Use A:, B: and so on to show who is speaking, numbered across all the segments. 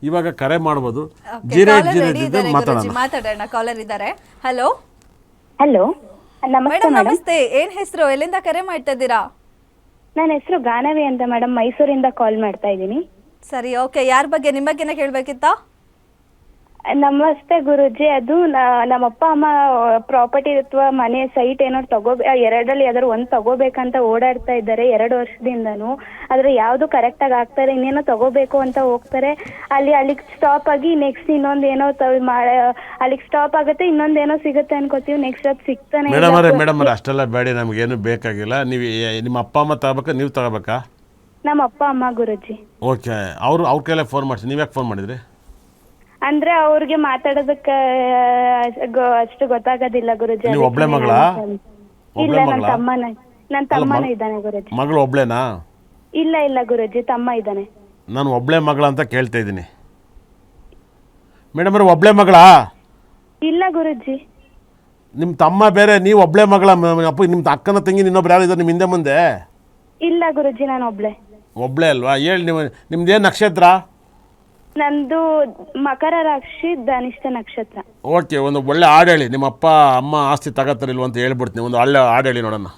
A: ಇವಾಗ ಕರೆ ಮಾಡ್ಬೋದು.
B: ಮಾತಾಡೋಣ. ಕಾಲರ್ ಇದ್ದಾರೆ. ಹಲೋ
C: ಹಲೋ, ನಮಸ್ತೆ
B: ಮೇಡಮ್.
C: ಮೇಡಮ್.
B: ನಮಸ್ತೆ. ಏನ್ ಹೆಸರು, ಎಲ್ಲಿಂದ ಕರೆ ಮಾಡ್ತಾ ಇದ್ದೀರಾ?
C: ನನ್ನ ಹೆಸರು ಗಾನವಿ ಅಂತ ಮೇಡಮ್, ಮೈಸೂರಿಂದ ಕಾಲ್ ಮಾಡ್ತಾ ಇದ್ದೀನಿ.
B: ಸರಿ, ಓಕೆ. ಯಾರ ಬಗ್ಗೆ, ನಿಮ್ಮ ಬಗ್ಗೆನೇ ಕೇಳಬೇಕಿತ್ತಾ?
C: ನಮಸ್ತೆ ಗುರುಜಿ. ಅದು ನಮ್ಮಪ್ಪ ಅಮ್ಮ ಪ್ರಾಪರ್ಟಿ ಅಥವಾ ಮನೆ ಸೈಟ್ ಏನೋ ಎರಡರಲ್ಲಿ ಯಾವ್ದಾದ್ರು ಒಂದು ತಗೋಬೇಕಂತ ಓಡಾಡ್ತಾ ಇದ್ದಾರೆ 2 ವರ್ಷದಿಂದನೂ. ಆದ್ರೆ ಯಾವ್ದು ಕರೆಕ್ಟ್ ಆಗಿ ಆಗ್ತಾರೆ, ಇನ್ನೇನೋ ತಗೋಬೇಕು ಅಂತ ಹೋಗ್ತಾರೆ, ಅಲ್ಲಿಗೆ ಸ್ಟಾಪ್ ಆಗಿ ನೆಕ್ಸ್ಟ್ ಇನ್ನೊಂದು ಏನೋ ಅಲ್ಲಿಗೆ ಸ್ಟಾಪ್ ಆಗುತ್ತೆ, ಇನ್ನೊಂದೇನೋ ಸಿಗುತ್ತೆ ಅನ್ಕೋತೀವಿ, ನೆಕ್ಸ್ಟ್ ಅದು ಸಿಗ್ತಾನೆ.
A: ಮೇಡಮ್ ಅಷ್ಟೆಲ್ಲ ಬೇಡ, ನಮಗೇನು ಬೇಕಾಗಿಲ್ಲ. ನೀವು ನಿಮ್ಮ ಅಪ್ಪ ಅಮ್ಮ ತಗೋಬೇಕಾ, ನೀವು ತಗೋಬೇಕಾ?
C: ನಮ್ಮ ಅಪ್ಪ ಅಮ್ಮ ಗುರುಜಿ.
A: ಓಕೆ, ಅವ್ರ ಕೈಲೇ ಫೋನ್ ಮಾಡಿಸಿ. ನೀವ್ಯಾಕೆ ಫೋನ್ ಮಾಡಿದ್ರಿ?
C: ಅಂದ್ರೆ ಅವ್ರಿಗೆ ಮಾತಾಡೋದಕ್ಕೆ ಅಷ್ಟು ಗೊತ್ತಾಗೋದಿಲ್ಲ ಗುರುಜಿ.
A: ನೀವು ಒಬ್ಳೆ ಮಗಳಾ?
C: ಇಲ್ಲ, ನನ್ನ ತಮ್ಮನೂ ಇದ್ದಾನೆ ಗುರುಜಿ.
A: ಮಗಳು ಒಬ್ಳೇನಾ?
C: ಇಲ್ಲ ಗುರುಜಿ, ತಮ್ಮ ಇದ್ದಾನೆ.
A: ನಾನು ಒಬ್ಳೆ ಮಗಳ ಅಂತ ಕೇಳ್ತಾ ಇದ್ದೀನಿ ಮೇಡಮ್. ಒಬ್ಳೆ ಮಗಳಾ?
C: ಇಲ್ಲ ಗುರುಜಿ.
A: ನಿಮ್ಮ ತಮ್ಮ ಬೇರೆ, ನೀವು ಒಬ್ಳೆ ಮಗಳ? ಅಪ್ಪ, ನಿಮ್ಮ ಅಕ್ಕನ ತಂಗಿ ಇನ್ನೊಬ್ರು ಯಾರು ಇದ್ದಾರೆ ನಿಮ್ಮ ಹಿಂದೆ ಮುಂದೆ?
C: ಇಲ್ಲ ಗುರುಜಿ, ನಾನು
A: ಒಬ್ಳೆ ಅಲ್ವಾ? ಹೇಳಿ, ನಿಮ್ದೇನು ನಕ್ಷತ್ರ?
C: ನಂದು ಮಕರ ರಾಶಿ, ಧನಿಷ್ಠ ನಕ್ಷತ್ರ.
A: ಓಕೆ, ಒಂದು ಒಳ್ಳೆ ಹಾಡು ಹೇಳಿ. ನಿಮ್ಮ ಅಪ್ಪ ಅಮ್ಮ ಆಸ್ತಿ ತಗೋತಾರಿಲ್ವ ಅಂತ ಹೇಳ್ಬಿಡ್ತೀನಿ. ಒಂದು ಒಳ್ಳೆ ಹಾಡು ಹೇಳಿ ನೋಡೋಣ.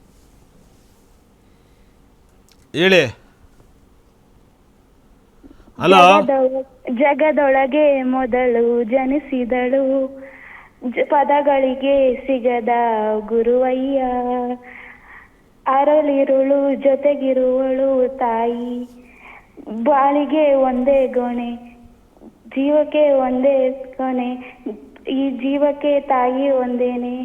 A: ಹೇಳಿ. ಹಲೋ.
C: ಜಗದೊಳಗೆ ಮೊದಲು ಜನಿಸಿದಳು, ಪದಗಳಿಗೆ ಸಿಗದ ಗುರುವಯ್ಯ, ಅರಳಿರುಳು ಜೊತೆಗಿರುವಳು ತಾಯಿ, ಬಾಳಿಗೆ ಒಂದೇ ಗೊಣೆ, ಜೀವಕ್ಕೆ ಒಂದೇ ಕೊನೆ, ಈ ಜೀವಕ್ಕೆ ತಾಯಿ ಒಂದೇನೆ.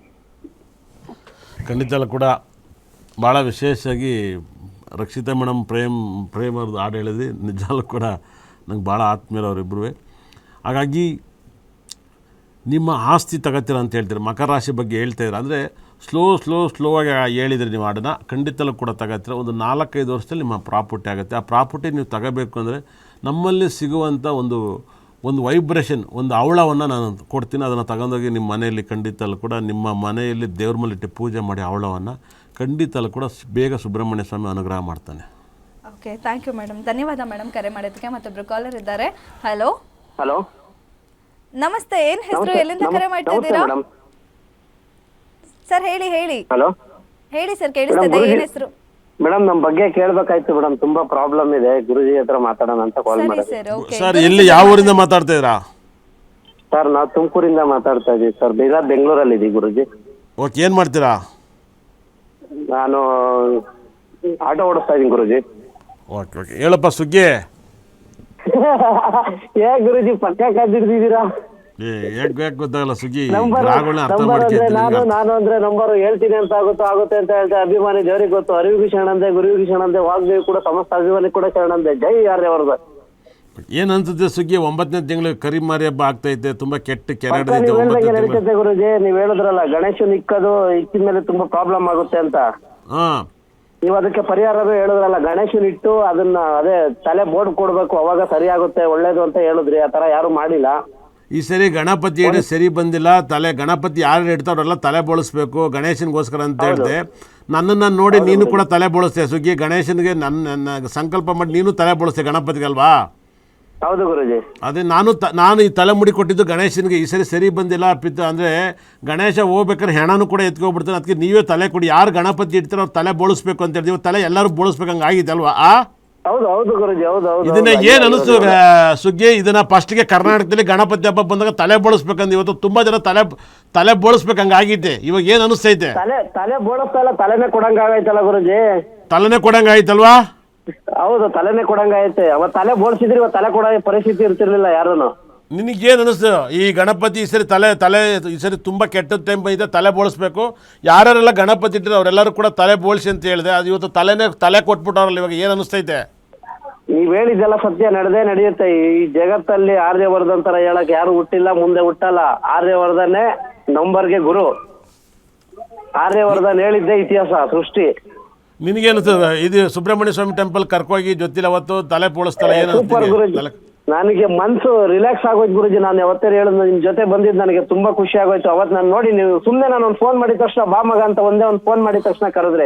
A: ಖಂಡಿತ ಕೂಡ ಭಾಳ ವಿಶೇಷವಾಗಿ ರಕ್ಷಿತಾ ಮೇಡಮ್ ಪ್ರೇಮ್ ಅವ್ರದ್ದು ಹಾಡು ಹೇಳಿದ್ವಿ. ನಿಜಾಲು ಕೂಡ ನಂಗೆ ಭಾಳ ಆತ್ಮೀಯರು ಅವರಿಬ್ಬರು. ಹಾಗಾಗಿ ನಿಮ್ಮ ಆಸ್ತಿ ತಗೋತೀರ ಅಂತ ಹೇಳ್ತೀರಿ, ಮಕರ ರಾಶಿ ಬಗ್ಗೆ ಹೇಳ್ತಾಯಿದ್ರು. ಅಂದರೆ ಸ್ಲೋ ಆಗಿ ಹೇಳಿದ್ರಿ ನೀವು ಹಾಡನ್ನ. ಖಂಡಿತಲೂ ಕೂಡ ತಗೋತೀರ. ಒಂದು 4-5 ವರ್ಷದಲ್ಲಿ ನಿಮ್ಮ ಪ್ರಾಪರ್ಟಿ ಆಗುತ್ತೆ. ಆ ಪ್ರಾಪರ್ಟಿ ನೀವು ತಗೋಬೇಕು ಅಂದರೆ ನಮ್ಮಲ್ಲಿ ಸಿಗುವಂಥ ಒಂದು ವೈಬ್ರೇಷನ್, ಒಂದು ಹವಳವನ್ನು ನಾನು ಕೊಡ್ತೀನಿ. ಅದನ್ನು ತಗೊಂಡೋಗಿ ನಿಮ್ಮ ಮನೆಯಲ್ಲಿ ಖಂಡಿತಲೂ ಕೂಡ ನಿಮ್ಮ ಮನೆಯಲ್ಲಿ ದೇವ್ರ ಮೇಲೆ ಇಟ್ಟು ಪೂಜೆ ಮಾಡಿ ಹವಳವನ್ನು ಖಂಡಿತಲೂ ಕೂಡ ಬೇಗ ಸುಬ್ರಹ್ಮಣ್ಯ ಸ್ವಾಮಿ ಅನುಗ್ರಹ ಮಾಡ್ತಾನೆ.
B: Okay, thank you madam. ಧನ್ಯವಾದ ಮೇಡಮ್ ಕರೆ ಮಾಡೋದಕ್ಕೆ. ಮತ್ತೊಬ್ರು ಕಾಲರ್ ಇದ್ದಾರೆ. ಹಲೋ. ನಮಸ್ತೆ. ಏನ್ ಹೆಸರು, ಎಲ್ಲಿಂದ ಕರೆ ಮಾಡ್ತಾ ಇದ್ದೀರಾ? ಸರ್ ಹೇಳಿ.
D: ಹಲೋ
B: ಹೇಳಿ ಸರ್, ಕೇಳಿಸ್ತದೆ. ಏನ್ ಹೆಸರು?
D: ಮೇಡಮ್, ನಮ್ಮ ಬಗ್ಗೆ ಕೇಳಬೇಕಾಯ್ತು ಮೇಡಮ್. ತುಂಬಾ ಪ್ರಾಬ್ಲಮ್ ಇದೆ, ಗುರುಜಿ ಹತ್ರ ಮಾತಾಡೋಣ ಅಂತ ಕಾಲ್ ಮಾಡಿದೆ.
B: Sir, okay.
A: ಸರ್, ಎಲ್ಲಿ, ಯಾವ ಊರಿಂದ ಮಾತಾಡ್ತಾ ಇದ್ದೀರಾ?
D: ಸರ್, ನಾವು ತುಮಕೂರಿಂದ ಮಾತಾಡ್ತಾ ಇದ್ದೀವಿ ಸರ್. ಬೆಂಗಳೂರಲ್ಲಿ ಇದ್ದೀವಿ ಗುರುಜಿ.
A: ಓಕೆ, ಏನು ಮಾಡ್ತೀರಾ?
D: ನಾನು ಆಟೋ ಓಡಿಸ್ತಾ ಇದ್ದೀನಿ ಗುರುಜಿ.
A: ಓಕೆ, ಹೇಳಪ್ಪ ಸುಗ್ಗಿ.
D: ಗುರುಜಿ ಪಕ್ಕ ಕಾದಿರ್ತಿದ್ದೀರಾ?
A: ಯಾಕೆ ಗೊತ್ತಾಗಲ್ಲ ಸುಗ್ಗಿ.
D: ನಾನು ಅಂದ್ರೆ ನಂಬರ್ ಹೇಳ್ತೀನಿ ಅಂತ ಆಗುತ್ತೆ ಅಂತ ಹೇಳ್ತೆ. ಅಭಿಮಾನಿ ದೇವರಿಗೆ ಗೊತ್ತು, ಅರಿವಿಗೂ ಶರಣಂದೆ, ಗುರುವಿಗೂ ಶರಣಂದೆ, ವಾಗ್ದೇವಿ ಕೂಡ ಸಮಸ್ತ ಅಭಿಮಾನಿ ಕೂಡ ಶರಣಂದೆ. ಜೈ ಯಾರ್ಯವರ್ದು.
A: ಏನ್ ಅನ್ಸುತ್ತೆ ಸುಗ್ಗಿ? 9ನೇ ತಿಂಗಳು ಕರಿಮಾರಿ ಹಬ್ಬ ಆಗ್ತೈತೆ. ತುಂಬಾ ಕೆಟ್ಟ ಕೆರೆ
D: ನಡೀತೈತೆ ಗುರುಜಿ. ನೀವ್ ಹೇಳಿದ್ರಲ್ಲ ಗಣೇಶನ್ ಇಕ್ಕಿದ ಮೇಲೆ ತುಂಬಾ ಪ್ರಾಬ್ಲಮ್ ಆಗುತ್ತೆ ಅಂತ. ನೀವು ಅದಕ್ಕೆ ಪರಿಹಾರವೇ ಹೇಳಿದ್ರಲ್ಲ, ಗಣೇಶನ್ ಇಟ್ಟು ಅದನ್ನ ಅದೇ ತಲೆ ಬೋರ್ಡ್ ಕೊಡ್ಬೇಕು, ಅವಾಗ ಸರಿ ಆಗುತ್ತೆ, ಒಳ್ಳೇದು ಅಂತ ಹೇಳಿದ್ರಿ. ಆ ತರ ಯಾರು ಮಾಡಿಲ್ಲ.
A: ಈ ಸರಿ ಗಣಪತಿ ಇಡಿ ಸರಿ ಬಂದಿಲ್ಲ. ಗಣಪತಿ ಯಾರು ಇಡ್ತಾವ್ರೆಲ್ಲ ತಲೆ ಬೋಳಿಸ್ಬೇಕು ಗಣೇಶನ್ಗೋಸ್ಕರ ಅಂತ ಹೇಳಿದೆ. ನನ್ನನ್ನು ನೋಡಿ ನೀನು ಕೂಡ ತಲೆ ಬೋಳಿಸ್ತೆ ಸುಗ್ಗಿ. ಗಣೇಶನ್ಗೆ ನನ್ನ ಸಂಕಲ್ಪ ಮಾಡಿ ನೀನು ತಲೆ ಬೋಳಿಸ್ತೆ ಗಣಪತಿಗಲ್ವಾ?
D: ಹೌದು ಗುರುಜಿ.
A: ಅದೇ ನಾನು ಈ ತಲೆ ಮುಡಿ ಕೊಟ್ಟಿದ್ದು ಗಣೇಶನ್ಗೆ. ಈ ಸರಿ ಬಂದಿಲ್ಲ ಅಂದರೆ ಗಣೇಶ ಹೋಗ್ಬೇಕಾದ್ರೆ ಹೆಣನೂ ಕೂಡ ಎತ್ಕೊಬಿಡ್ತಾನೆ. ಅದಕ್ಕೆ ನೀವೇ ತಲೆ ಕೊಡಿ. ಯಾರು ಗಣಪತಿ ಇಡ್ತಾರೋ ಅವ್ರು ತಲೆ ಬೋಳಿಸ್ಬೇಕು ಅಂತ ಹೇಳ್ತೀವಿ. ತಲೆ ಎಲ್ಲರೂ ಬೋಳಿಸ್ಬೇಕಂಗೆ ಆಗಿದೆ ಅಲ್ವಾ?
D: ಹೌದು ಗುರುಜಿ.
A: ಇದನ್ನ ಏನ್ ಅನಿಸ್ತು ಸುಗ್ಗಿ? ಇದನ್ನ ಫಸ್ಟ್ಗೆ ಕರ್ನಾಟಕದಲ್ಲಿ ಗಣಪತಿ ಹಬ್ಬ ಬಂದಾಗ ತಲೆ ಬೋಳಿಸ್ಬೇಕಂದ್ರೆ ಇವತ್ತು ತುಂಬಾ ಜನ ತಲೆ ಬೋಳಿಸ್ಬೇಕಂಗ ಆಗಿದೆ. ಇವಾಗ ಏನ್ ಅನಿಸ್ತೈತೆ?
D: ತಲೆ ಬೋಳಿಸ್ತಾ ಇಲ್ಲ, ತಲೆನೇ ಕೊಡಂಗ ಆಗೈತಲ್ಲ ಗುರುಜಿ.
A: ತಲೆನೇ ಕೊಡಂಗ ಆಯ್ತಲ್ವಾ?
D: ಹೌದು, ತಲೆನೇ ಕೊಡಂಗ ಐತೆ. ಅವತ್ತು ತಲೆ ಬೋಳಿಸಿದ್ರೆ ಇವತ್ತು ತಲೆ ಕೊಡೋ ಪರಿಸ್ಥಿತಿ ಇರ್ತಿರ್ಲಿಲ್ಲ ಯಾರೂನು.
A: ನಿನಗೇನು ಅನಿಸ್ತು ಈ ಗಣಪತಿ ಈ ಸರಿ ಈ ಸರಿ ತುಂಬ ಕೆಟ್ಟ ಟೈಮ್ ಬಂದಿದೆ, ತಲೆ ಬೋಳಿಸ್ಬೇಕು, ಯಾರ್ಯಾರೆಲ್ಲ ಗಣಪತಿ ಇಟ್ಟರೆ ಅವರೆಲ್ಲರೂ ಕೂಡ ತಲೆ ಬೋಳಿಸಿ ಅಂತ ಹೇಳಿದೆ. ಅದು ಇವತ್ತು ತಲೆ ಕೊಟ್ಬಿಟ್ಟವ್ರಲ್ಲ. ಇವಾಗ ಏನು ಅನಿಸ್ತೈತೆ?
D: ನೀವ್ ಹೇಳಿದ್ದೆಲ್ಲ ಸತ್ಯ ನಡೆಯುತ್ತೆ. ಈ ಜಗತ್ತಲ್ಲಿ ಆರ್ಯವರ್ಧನ್ ತರ ಹೇಳಕ್ ಯಾರು ಹುಟ್ಟಿಲ್ಲ, ಮುಂದೆ ಹುಟ್ಟಲ್ಲ. ಆರ್ಯವರ್ಧನೆ ನಂಬರ್ಗೆ ಗುರು. ಆರ್ಯವರ್ಧನ್ ಹೇಳಿದ್ದೆ ಇತಿಹಾಸ ಸೃಷ್ಟಿ.
A: ನಿನಗೇನು ಇದು ಸುಬ್ರಹ್ಮಣ್ಯ ಸ್ವಾಮಿ ಟೆಂಪಲ್ ಕರ್ಕೋಗಿ ಜೊತೆಲಿ ಅವತ್ತು ತಲೆ ಬೋಳಿಸ್ತಾರೆ?
D: ಸೂಪರ್ ಗುರುಜಿ, ನನಗೆ ಮನ್ಸು ರಿಲ್ಯಾಕ್ಸ್ ಆಗೋಯ್ತು ಗುರುಜಿ. ನಾನು ಯಾವತ್ತೇ ಹೇಳಿದ್ ನಿಮ್ ಜೊತೆ ಬಂದಿದ್ದು ನನಗೆ ತುಂಬಾ ಖುಷಿ ಆಗೋಯ್ತು. ಅವತ್ತು ನಾನು ನೋಡಿ, ನೀವು ಸುಮ್ಮನೆ ನಾನು ಒಂದು ಫೋನ್ ಮಾಡಿದ ತಕ್ಷಣ ಬಾ ಮಗ ಅಂತ ಒಂದೇ ಒಂದು ಫೋನ್ ಮಾಡಿದ ತಕ್ಷಣ ಕರೆದ್ರೆ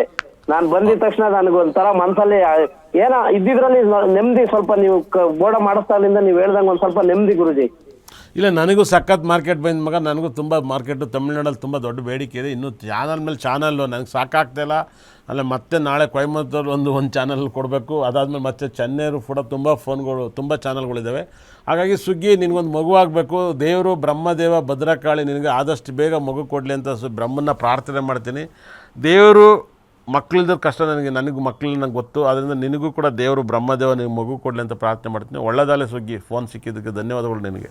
D: ನಾನು ಬಂದಿದ ತಕ್ಷಣ ನನಗೊಂಥರ ಮನಸ್ಸಲ್ಲಿ ಏನೋ ಇದ್ದಿದ್ರಲ್ಲಿ ನೆಮ್ಮದಿ, ಸ್ವಲ್ಪ ನೀವು ಬೋರ್ಡ ಮಾಡಿಸ್ತಾಗ್ಲಿಂದ ನೀವು ಹೇಳ್ದಂಗೆ ಒಂದು ಸ್ವಲ್ಪ ನೆಮ್ಮದಿ ಗುರುಜಿ.
A: ಇಲ್ಲ, ನನಗೂ ಸಖತ್ ಮಾರ್ಕೆಟ್ ಬಂದ ಮಗ, ನನಗೂ ತುಂಬ ಮಾರ್ಕೆಟು ತಮಿಳ್ನಾಡಲ್ಲಿ ತುಂಬ ದೊಡ್ಡ ಬೇಡಿಕೆ ಇದೆ. ಇನ್ನೂ ಚಾನಲ್ ಮೇಲೆ ಚಾನಲ್ಲು ನನಗೆ ಸಾಕಾಗ್ತಾಯಿಲ್ಲ. ಅಲ್ಲ ಮತ್ತೆ ನಾಳೆ ಕೊಯಮತ್ತೂರು ಒಂದು ಚಾನಲ್ ಕೊಡಬೇಕು. ಅದಾದಮೇಲೆ ಮತ್ತೆ ಚೆನ್ನೈರು ಕೂಡ ತುಂಬ ಫೋನ್ಗಳು, ತುಂಬ ಚಾನಲ್ಗಳಿದ್ದಾವೆ. ಹಾಗಾಗಿ ಸುಗ್ಗಿ ನಿನಗೊಂದು ಮಗು ಆಗಬೇಕು. ದೇವರು ಬ್ರಹ್ಮದೇವ ಭದ್ರಕಾಳಿ ನಿನಗೆ ಆದಷ್ಟು ಬೇಗ ಮಗು ಕೊಡಲಿ ಅಂತ ಬ್ರಹ್ಮನ್ನ ಪ್ರಾರ್ಥನೆ ಮಾಡ್ತೀನಿ. ದೇವರು ಮಕ್ಕಳಿದ್ರ ಕಷ್ಟ ನನಗೆ ಮಕ್ಕಳು ನನಗೆ ಗೊತ್ತು. ಆದ್ದರಿಂದ ನಿನಗೂ ಕೂಡ ದೇವರು ಬ್ರಹ್ಮದೇವ ನಿನಗೆ ಮಗು ಕೊಡಲಿ ಅಂತ ಪ್ರಾರ್ಥನೆ ಮಾಡ್ತೀನಿ. ಒಳ್ಳೆದಾಗಲಿ ಸುಗ್ಗಿ. ಫೋನ್ ಸಿಕ್ಕಿದ್ದಕ್ಕೆ ಧನ್ಯವಾದಗಳು ನಿನಗೆ.